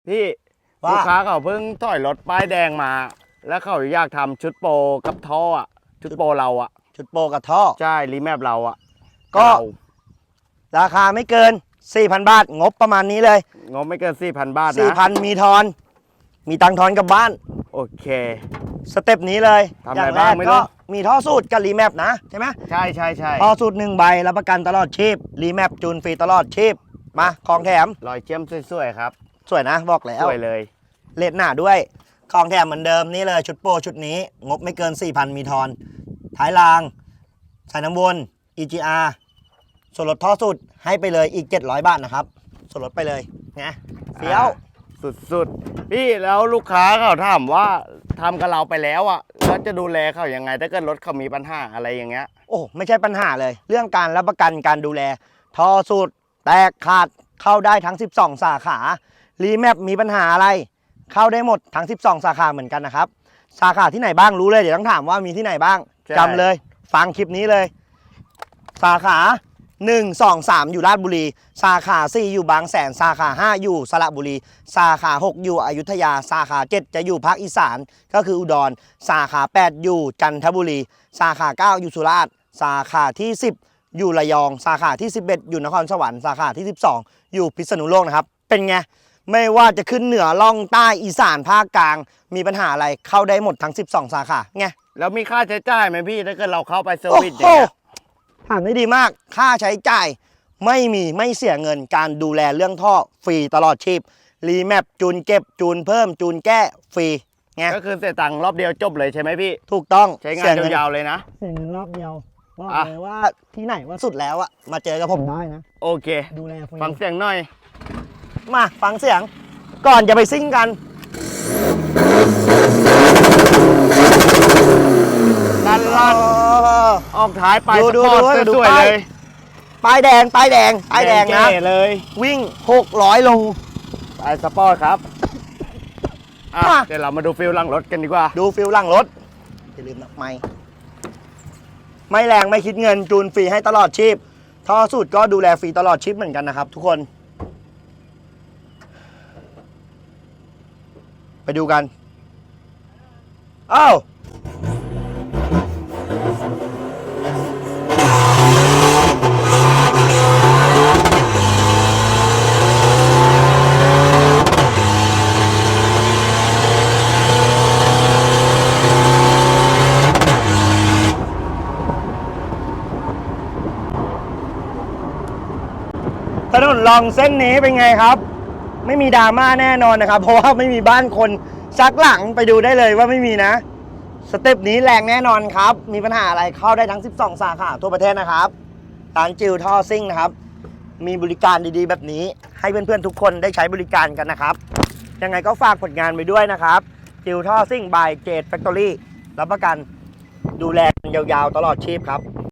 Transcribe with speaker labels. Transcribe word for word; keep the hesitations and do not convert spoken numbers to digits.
Speaker 1: พี่ลูกค้าเขาเพิ่งถอยรถป้ายแดงมา แล้วเขาอยากทำชุดโปรกับท่ออ่ะชุดโปรเราอ่ะ
Speaker 2: ชุดโปรกับท่อ
Speaker 1: ใช่รีแมปเราอ่ะ
Speaker 2: ก็ราคาไม่เกิน สี่พัน บาทงบประมาณนี้เลย
Speaker 1: งบไม่เกิน สี่พัน บาทนะ
Speaker 2: สี่พัน มีทอนมีตังทอนกลับบ้าน
Speaker 1: โอเค
Speaker 2: สเต็ปนี้เลย
Speaker 1: ทำอะไรบ้างไม่รู้
Speaker 2: ก็มีท่อสูตรกับรีแมปนะใช่ไหม
Speaker 1: ใช่ใช่ใช่
Speaker 2: ท่อสูตรหนึ่งใบรับประกันตลอดชีพรีแมปจูนฟรีตลอดชีพมาของแถม
Speaker 1: รอยเชื่อมสวยๆครับ
Speaker 2: สวยนะบอกแล้ว
Speaker 1: สวยเลย
Speaker 2: เลดหน้าด้วยของแถมเหมือนเดิมนี่เลยชุดโปรชุดนี้งบไม่เกิน สี่พัน มีทอนท้ายรางสายน้ำวน อี จี อาร์ ส่วนลดท่อสุดให้ไปเลยอีกเจ็ดร้อยบาทนะครับส่วนลดไปเลยนะเฟี้ยว
Speaker 1: สุดๆพี่แล้วลูกค้าเขาถามว่าทำกับเราไปแล้วอ่ะแล้วจะดูแลเขาอย่างไงถ้าเกิดรถเขามีปัญหาอะไรอย่างเงี้ย
Speaker 2: โอ้ไม่ใช่ปัญหาเลยเรื่องการรับประกันการดูแลท่อสุดแตกขาดเข้าได้ทั้งสิบสองสาขารีแมปมีปัญหาอะไรเข้าได้หมดทั้งสิบสองสาขาเหมือนกันนะครับสาขาที่ไหนบ้างรู้เลยเดี๋ยวต้องถามว่ามีที่ไหนบ้างจำเลยฟังคลิปนี้เลยสาขาหนึ่ง สอง สามอยู่ราชบุรีสาขาสี่อยู่บางแสนสาขาห้าอยู่สระบุรีสาขาหกอยู่อยุธยาสาขาเจ็ดจะอยู่ภาคอีสานก็คืออุดรสาขาแปดอยู่จันทบุรีสาขาเก้าอยู่สุราษฎร์สาขาที่สิบอยู่ระยองสาขาที่สิบเอ็ดอยู่นครสวรรค์สาขาที่สิบสองอยู่พิษณุโลกนะครับเป็นไงไม่ว่าจะขึ้นเหนือล่องใต้อีสานภาคกลางมีปัญหาอะไรเข้าได้หมดทั้งสิบสองสาขาไง
Speaker 1: แล้วมีค่าใช้จ่ายไหมพี่ถ้าเกิดเราเข้าไปเซอร์วิสอย่างเงี้ย
Speaker 2: ถามได้ดีมากค่าใช้จ่ายไม่มีไม่เสียเงินการดูแลเรื่องท่อฟรีตลอดชีพรีแมปจูนเก็บจูนเพิ่มจูนแก้ฟรีไง
Speaker 1: ก็คือเสียตังค์รอบเดียวจบเลยใช่ไหมพี่
Speaker 2: ถูกต้อง
Speaker 1: ใช้งานยาวๆเลยนะ
Speaker 2: เสียเงินรอบเดียวบอกเลยว่าที่ไหนว่าสุดแล้วอะมาเจอกับผมได้นะ
Speaker 1: โอเค
Speaker 2: ดูแลฟรี
Speaker 1: ฟังเสียงหน่อย
Speaker 2: มาฟังเสียงก่อนจะไปซิ่งกัน
Speaker 1: ดันลันออกท้ายไปสปอร์ตสวยเลย
Speaker 2: ป้ายแดงป้ายแดงป้ายแดงนะ
Speaker 1: เลย
Speaker 2: วิ่งหกร้อยโล
Speaker 1: ไปสปอร์ตครับอ่ะเดี๋ยวเรามาดูฟิลหลังรถกันดีกว่า
Speaker 2: ดูฟิลหลังรถอย่าลืมนะไม่ไม่แรงไม่คิดเงินจูนฟรีให้ตลอดชีพท่อสูตรก็ดูแลฟรีตลอดชีพเหมือนกันนะครับทุกคนไปดูกันอ้าวถนนลองเส้นนี้เป็นไงครับไม่มีดราม่าแน่นอนนะครับเพราะว่าไม่มีบ้านคนซักหลังไปดูได้เลยว่าไม่มีนะสเต็ปนี้แรงแน่นอนครับมีปัญหาอะไรเข้าได้ทั้งสิบสองสาขาทั่วประเทศนะครับร้านจิวท่อซิ่งนะครับมีบริการดีๆแบบนี้ให้เพื่อนๆทุกคนได้ใช้บริการกันนะครับยังไงก็ฝากผลงานไปด้วยนะครับจิวท่อซิ่งบายเจดแฟคทอรี่รับประกันดูแลยาวๆตลอดชีพครับ